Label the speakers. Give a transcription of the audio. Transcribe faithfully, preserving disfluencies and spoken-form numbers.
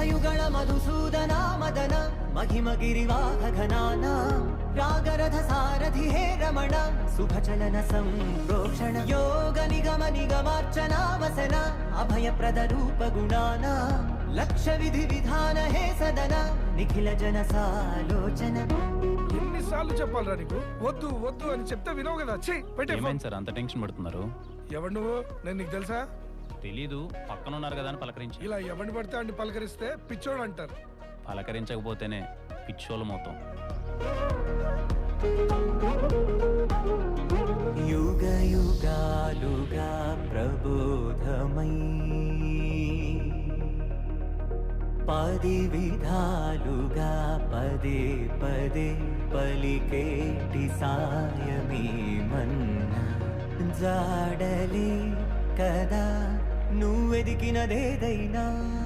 Speaker 1: మేఘయుగళ మధుసూదన మదన మహిమ గిరివాహ ఘనాన రాగరథ సారథి హే రమణ శుభచలన సంప్రోక్షణ యోగ నిగమ నిగమార్చన వసన అభయప్రద రూప గుణాన లక్ష విధి విధాన హే సదన నిఖిల జన సాలోచన.
Speaker 2: ఎన్నిసార్లు చెప్పాలరా నీకు వద్దు వద్దు అని చెప్తే వినవు కదా.
Speaker 3: ఏమైంది సార్ అంత టెన్షన్ పడుతున్నారు?
Speaker 2: ఎవరు నువ్వు? నేను నీకు తెలుసా?
Speaker 3: తెలీదు, పక్కన ఉన్నారు కదా అని పలకరించి.
Speaker 2: ఇలా ఎవరిని పడితే అన్ని పలకరిస్తే పిచ్చోడు అంటారు.
Speaker 3: పలకరించకపోతేనే పిచ్చోళ్ళు మొత్తం.
Speaker 1: యుగ యుగాలుగా ప్రబోధమై పది విధాలుగా పదే పదే పలికేటి సాయమే మన్నా జాడలే కదా నువ్వెదికినదేదైనా